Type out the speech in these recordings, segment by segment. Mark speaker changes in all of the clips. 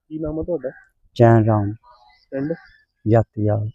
Speaker 1: ਕੀ ਨਾਮ ਆ ਤੁਹਾਡਾ?
Speaker 2: ਚੈਨ ਰਾਮ
Speaker 1: ਪਿੰਡ
Speaker 2: ਜਾਤੀਵਾਲ।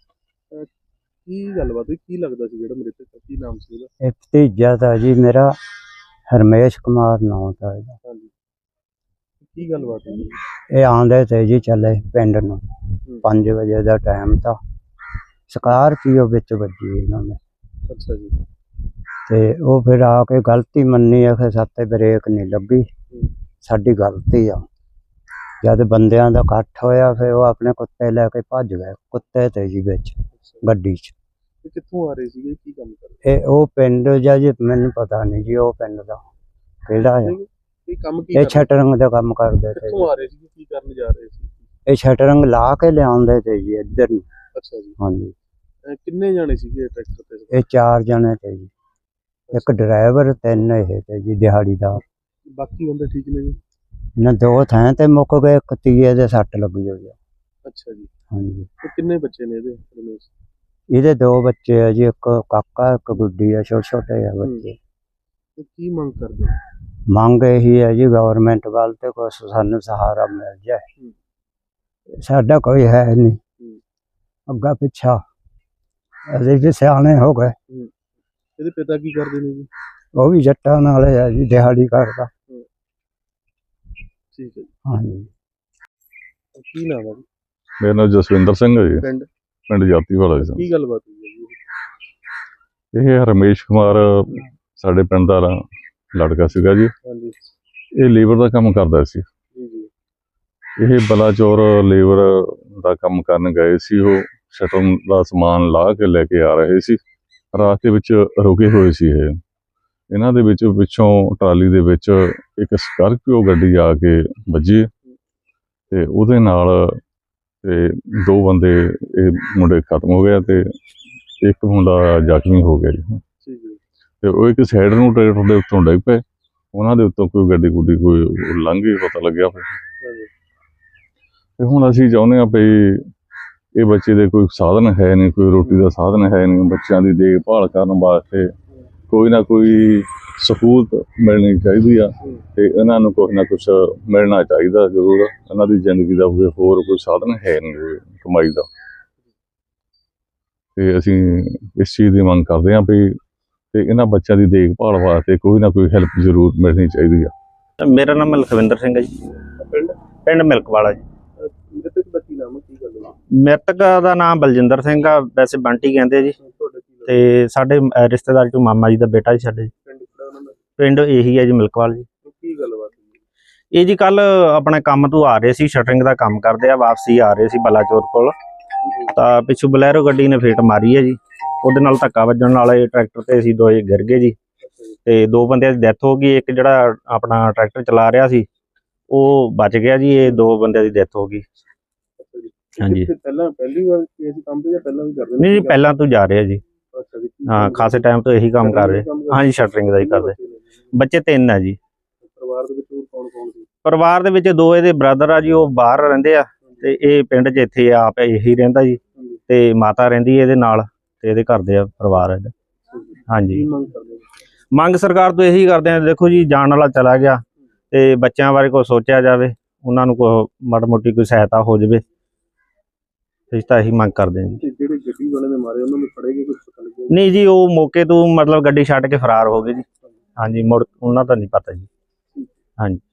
Speaker 1: ਕੀ ਗੱਲਬਾਤ ਹੋਈ? ਕੀ ਲੱਗਦਾ ਸੀ ਜਿਹੜਾ ਮ੍ਰਿਤਕ ਦਾ? ਕੀ ਨਾਮ ਸੀ ਉਹਦਾ?
Speaker 2: ਇਹ ਭਤੀਜਾ ਤਾਂ ਜੀ ਮੇਰਾ ਹਰਮੇਸ਼ ਕੁਮਾਰ ਨਾਮ ਦਾ ਇਹਦਾ।
Speaker 1: ਹਾਂਜੀ, ਕੀ ਗੱਲਬਾਤ ਹੋਈ?
Speaker 2: ਇਹ ਆਉਂਦੇ ਤੇ ਜੀ ਚੱਲੇ ਪਿੰਡ ਨੂੰ 5 ਵਜੇ ਦਾ ਟਾਈਮ ਤਾਂ ਸਕਾਰਪੀਓ ਵਿੱਚ ਵੱਜੀ ਇਹਨਾਂ ਨੇ।
Speaker 1: ਅੱਛਾ ਜੀ।
Speaker 2: ਤੇ ਉਹ ਫਿਰ ਆ ਕੇ ਗਲਤੀ ਮੰਨੀ ਆ ਕਿ ਸਾਤੇ ਬ੍ਰੇਕ ਨਹੀਂ ਲੱਗੀ, ਸਾਡੀ ਗਲਤੀ ਆ। ਜਦ ਬੰਦਿਆਂ ਦਾ ਇਕੱਠ ਹੋਇਆ ਫਿਰ ਉਹ ਆਪਣੇ ਕੁੱਤੇ ਲੈ ਕੇ ਭੱਜ ਗਏ, ਕੁੱਤੇ ਤੇ ਜੀ ਵਿੱਚ ਗੱਡੀ 'ਚ।
Speaker 1: ਇਹ ਕਿੱਥੋਂ ਆ ਰਹੇ ਸੀਗੇ? ਕੀ ਕੰਮ ਕਰਦੇ?
Speaker 2: ਇਹ ਉਹ ਪਿੰਡ ਜਾਂ ਜੀ ਮੈਨੂੰ ਪਤਾ ਨਹੀਂ ਜੀ ਉਹ ਪਿੰਡ ਦਾ ਕਿਹੜਾ ਆ।
Speaker 1: ਇਹ ਕੰਮ ਕੀ
Speaker 2: ਇਹ ਸ਼ਟਰਿੰਗ ਦਾ ਕੰਮ ਕਰਦੇ ਤੇ।
Speaker 1: ਕਿੱਥੋਂ ਆ ਰਹੇ ਸੀਗੇ? ਕੀ ਕਰਨ ਜਾ ਰਹੇ ਸੀ?
Speaker 2: ਇਹ ਸ਼ਟਰਿੰਗ ਲਾ ਕੇ ਲਿਆਉਂਦੇ ਤੇ ਜੀ ਇੱਧਰ ਨੂੰ।
Speaker 1: ਅੱਛਾ ਜੀ।
Speaker 2: ਹਾਂਜੀ।
Speaker 1: ਕਿੰਨੇ ਜਾਣੇ ਸੀਗੇ ਟਰੈਕਟਰ ਤੇ?
Speaker 2: ਇਹ 4 ਜਣੇ ਤੇ ਜੀ, ਇੱਕ ਡਰਾਈਵਰ, 3 ਇਹ ਤੇ ਜੀ ਦਿਹਾੜੀਦਾਰ।
Speaker 1: ਬਾਕੀ ਬੰਦੇ ਠੀਕ ਨੇ ਜੀ?
Speaker 2: ਨਾ 2 ਥਾਂ ਤੇ ਮੁੱਕ ਗਏ, ਇੱਕ ਤੀਏ ਦੇ ਸੱਟ ਲੱਗੀ ਹੋਈ ਆ।
Speaker 1: ਅੱਛਾ ਜੀ।
Speaker 2: ਹਾਂਜੀ।
Speaker 1: ਤੇ ਕਿੰਨੇ ਬੱਚੇ ਨੇ ਇਹਦੇ ਰਮੇਸ਼?
Speaker 2: ਇਹਦੇ 2 ਬੱਚੇ ਆ ਜੀ, ਇੱਕ ਕਾਕਾ ਇੱਕ ਗੁੱਡੀ ਆ, ਛੋਟੇ ਛੋਟੇ ਆ ਬੱਚੇ।
Speaker 1: ਤੇ ਕੀ ਮੰਗ ਕਰਦੇ?
Speaker 2: ਮੰਗ ਇਹੀ ਹੈ ਜੀ ਗਵਰਨਮੈਂਟ ਵੱਲ ਤੇ ਕੁਛ ਸਾਨੂੰ ਸਹਾਰਾ ਮਿਲ ਜਾਏ। ਸਾਡਾ ਕੋਈ ਹੈ ਨਹੀਂ ਅੱਗਾ ਪਿੱਛਾ, ਅਸੀਂ ਵੀ ਸਿਆਣੇ ਹੋ ਗਏ।
Speaker 1: ਇਹਦੇ ਪਿਤਾ ਕੀ ਕਰਦੇ ਨੇ ਜੀ?
Speaker 2: ਉਹ ਵੀ ਜੱਟਾਂ ਨਾਲ ਹੈ ਜੀ, ਦਿਹਾੜੀ ਕਰਦਾ।
Speaker 1: ਠੀਕ ਹੈ ਜੀ।
Speaker 2: ਹਾਂਜੀ।
Speaker 1: ਕੀ ਨਾਮ ਹੈ ਜੀ?
Speaker 3: ਮੇਰਾ ਨਾਮ ਜਸਵਿੰਦਰ ਸਿੰਘ ਹੈ ਜੀ,
Speaker 1: ਪਿੰਡ
Speaker 3: ਪਿੰਡ ਜਾਤੀਵਾਲ ਹੈ ਜੀ।
Speaker 1: ਕੀ ਗੱਲਬਾਤ ਹੋਈ ਹੈ ਜੀ?
Speaker 3: ਇਹ ਰਮੇਸ਼ ਕੁਮਾਰ ਸਾਡੇ ਪਿੰਡ ਦਾ ਲੜਕਾ ਸੀਗਾ ਜੀ।
Speaker 1: ਹਾਂਜੀ।
Speaker 3: ਇਹ ਲੇਬਰ ਦਾ ਕੰਮ ਕਰਦਾ ਸੀ।
Speaker 1: ਜੀ ਜੀ।
Speaker 3: ਇਹ ਬਲਾਚੌਰ ਲੇਬਰ ਦਾ ਕੰਮ ਕਰਨ ਗਏ ਸੀ। ਉਹ ਸ਼ਟਰ ਦਾ ਸਮਾਨ ਲਾ ਕੇ ਲੈ ਕੇ ਆ ਰਹੇ ਸੀ। ਰਾਸਤੇ ਵਿੱਚ ਰੁਕੇ ਹੋਏ ਸੀ। ਇਹਨਾਂ ਦੇ ਵਿੱਚ ਪਿੱਛੋਂ ਟਰਾਲੀ ਦੇ ਵਿੱਚ ਇੱਕ ਸਕਾਰਪੀਓ ਗੱਡੀ ਆ ਕੇ ਵੱਜੀ ਤੇ ਉਹਦੇ ਨਾਲ ਤੇ 2 ਬੰਦੇ ਇਹ ਮੁੰਡੇ ਖਤਮ ਹੋ ਗਏ ਤੇ ਇੱਕ ਮੁੰਡਾ ਜ਼ਖਮੀ ਹੋ ਗਿਆ ਜੀ। ਤੇ ਉਹ ਇੱਕ ਸਾਈਡ ਨੂੰ ਟਰੈਕਟਰ ਦੇ ਉੱਤੋਂ ਡਿੱਗ ਪਏ। ਉਹਨਾਂ ਦੇ ਉੱਤੋਂ ਕੋਈ ਗੱਡੀ ਗੁੱਡੀ ਕੋਈ ਲੰਘ ਗਈ, ਪਤਾ ਲੱਗਿਆ ਫਿਰ। ਤੇ ਹੁਣ ਅਸੀਂ ਚਾਹੁੰਦੇ ਹਾਂ ਵੀ ਇਹ ਬੱਚੇ ਦੇ ਕੋਈ ਸਾਧਨ ਹੈ ਨਹੀਂ, ਕੋਈ ਰੋਟੀ ਦਾ ਸਾਧਨ ਹੈ ਨਹੀਂ। ਬੱਚਿਆਂ ਦੀ ਦੇਖਭਾਲ ਕਰਨ ਵਾਸਤੇ ਕੋਈ ਨਾ ਕੋਈ ਸਹੂਲਤ ਮਿਲਣੀ ਚਾਹੀਦੀ ਆ ਤੇ ਇਹਨਾਂ ਨੂੰ ਕੁਛ ਨਾ ਕੁਛ ਮਿਲਣਾ ਚਾਹੀਦਾ ਜ਼ਰੂਰ। ਇਹਨਾਂ ਦੀ ਜ਼ਿੰਦਗੀ ਦਾ ਹੋਰ ਕੋਈ ਸਾਧਨ ਹੈ ਨਹੀਂ ਕਮਾਈ ਦਾ। ਤੇ ਅਸੀਂ ਇਸ ਚੀਜ਼ ਦੀ ਮੰਗ ਕਰਦੇ ਹਾਂ ਵੀ ਤੇ ਇਹਨਾਂ ਬੱਚਿਆਂ ਦੀ ਦੇਖਭਾਲ ਵਾਸਤੇ ਕੋਈ ਨਾ ਕੋਈ ਹੈਲਪ ਜ਼ਰੂਰ ਮਿਲਣੀ ਚਾਹੀਦੀ ਆ।
Speaker 4: ਮੇਰਾ ਨਾਮ ਲਖਵਿੰਦਰ ਸਿੰਘ ਹੈ ਜੀ, ਪਿੰਡ ਮਿਲਕਵਾਲਾ ਜੀ।
Speaker 1: ਮ੍ਰਿਤਕ ਦਾ ਕੀ ਨਾਮ ਹੈ? ਕੀ ਗੱਲ ਹੈ?
Speaker 4: ਮ੍ਰਿਤਕ ਦਾ ਨਾਮ ਬਲਜਿੰਦਰ ਸਿੰਘ ਆ, ਵੈਸੇ ਬੰਟੀ ਕਹਿੰਦੇ ਜੀ। ਤੇ ਸਾਡੇ ਰਿਸ਼ਤੇਦਾਰ ਚੋਂ ਮਾਮਾ ਜੀ ਦਾ ਬੇਟਾ ਜੀ ਸਾਡੇ। ਪਿੰਡ ਇਹੀ ਹੈ ਜੀ, ਮਿਲਕਵਾਲ ਜੀ।
Speaker 1: ਕੀ ਗੱਲਬਾਤ?
Speaker 4: ਇਹ ਜੀ ਕੱਲ ਆਪਣੇ ਕੰਮ ਤੋਂ ਆ ਰਹੇ ਸੀ, ਸ਼ਟਰਿੰਗ ਦਾ ਕੰਮ ਕਰਦੇ ਆ, ਵਾਪਸੀ ਆ ਰਹੇ ਸੀ ਬਲਾਚੌਰ ਕੋਲ। ਤਾਂ ਪਿੱਛੋਂ ਬਲੈਰੋ ਗੱਡੀ ਨੇ ਫੇਟ ਮਾਰੀ ਹੈ ਜੀ। ਉਹਦੇ ਨਾਲ ਧੱਕਾ ਵੱਜਣ ਨਾਲ ਇਹ ਟਰੈਕਟਰ ਤੇ ਅਸੀਂ ਦੋਏ ਗਿਰ ਗਏ ਜੀ। ਤੇ 2 ਬੰਦਿਆਂ ਦੀ ਡੈਥ ਹੋ ਗਈ। ਇੱਕ ਜਿਹੜਾ ਆਪਣਾ ਟਰੈਕਟਰ ਚਲਾ ਰਿਹਾ ਸੀ ਉਹ ਬਚ ਗਿਆ ਜੀ। ਇਹ 2 ਬੰਦਿਆਂ ਦੀ ਡੈਥ ਹੋ ਗਈ। ਹਾਂਜੀ।
Speaker 1: ਪਹਿਲੀ ਵਾਰ ਇਸ ਕੰਮ ਤੇ ਜਾਂ ਪਹਿਲਾਂ ਵੀ ਕਰਦੇ?
Speaker 4: ਨਹੀਂ ਜੀ, ਪਹਿਲਾਂ ਤੋਂ ਜਾ ਰਿਹਾ ਜੀ। ਹਾਂ, ਖਾਸੇ ਟਾਈਮ ਤੋਂ ਇਹੀ ਕੰਮ ਕਰ ਰਹੇ। ਹਾਂਜੀ, ਸ਼ਟਰਿੰਗ ਦਾ ਹੀ ਕਰਦੇ। ਬੱਚੇ 3 ਆ ਜੀ।
Speaker 1: ਪਰਿਵਾਰ ਦੇ ਵਿੱਚ ਕੌਣ ਕੌਣ ਸੀ?
Speaker 4: ਪਰਿਵਾਰ ਦੇ ਵਿੱਚ 2 ਇਹਦੇ ਬ੍ਰਦਰ ਆ ਜੀ, ਉਹ ਬਾਹਰ ਰਹਿੰਦੇ ਆ। ਤੇ ਇਹ ਪਿੰਡ 'ਚ ਇੱਥੇ ਆਪ ਇਹੀ ਰਹਿੰਦਾ ਜੀ। ਤੇ ਮਾਤਾ ਰਹਿੰਦੀ ਇਹਦੇ ਨਾਲ ਤੇ ਇਹਦੇ ਘਰ ਦੇ ਪਰਿਵਾਰ ਇਹਦਾ। ਹਾਂਜੀ। ਮੰਗ ਸਰਕਾਰ ਤੋਂ ਇਹੀ ਕਰਦੇ ਆ, ਦੇਖੋ ਜੀ ਜਾਣ ਵਾਲਾ ਚਲਾ ਗਿਆ ਤੇ ਬੱਚਿਆਂ ਬਾਰੇ ਕੁਛ ਸੋਚਿਆ ਜਾਵੇ, ਉਹਨਾਂ ਨੂੰ ਕੋਈ ਮਾੜੀ ਮੋਟੀ ਕੋਈ ਸਹਾਇਤਾ ਹੋ ਜਾਵੇ। ਅਸੀਂ ਤਾਂ ਇਹੀ ਮੰਗ ਕਰਦੇ ਹਾਂ ਜੀ।
Speaker 1: ਜਿਹੜੇ ਗੱਡੀ ਵਾਲੇ ਨੇ ਮਾਰੇ ਉਹਨਾਂ ਨੂੰ ਫੜੇਗੇ ਕੁਝ ਪਤਾ ਲੱਗਿਆ?
Speaker 4: ਨਹੀਂ ਜੀ, ਉਹ ਮੌਕੇ ਤੋਂ ਮਤਲਬ ਗੱਡੀ ਛੱਡ ਕੇ ਫਰਾਰ ਹੋ ਗਏ ਜੀ। ਹਾਂਜੀ, ਮੁੜ ਉਹਨਾਂ ਦਾ ਨਹੀਂ ਪਤਾ ਜੀ। ਹਾਂਜੀ।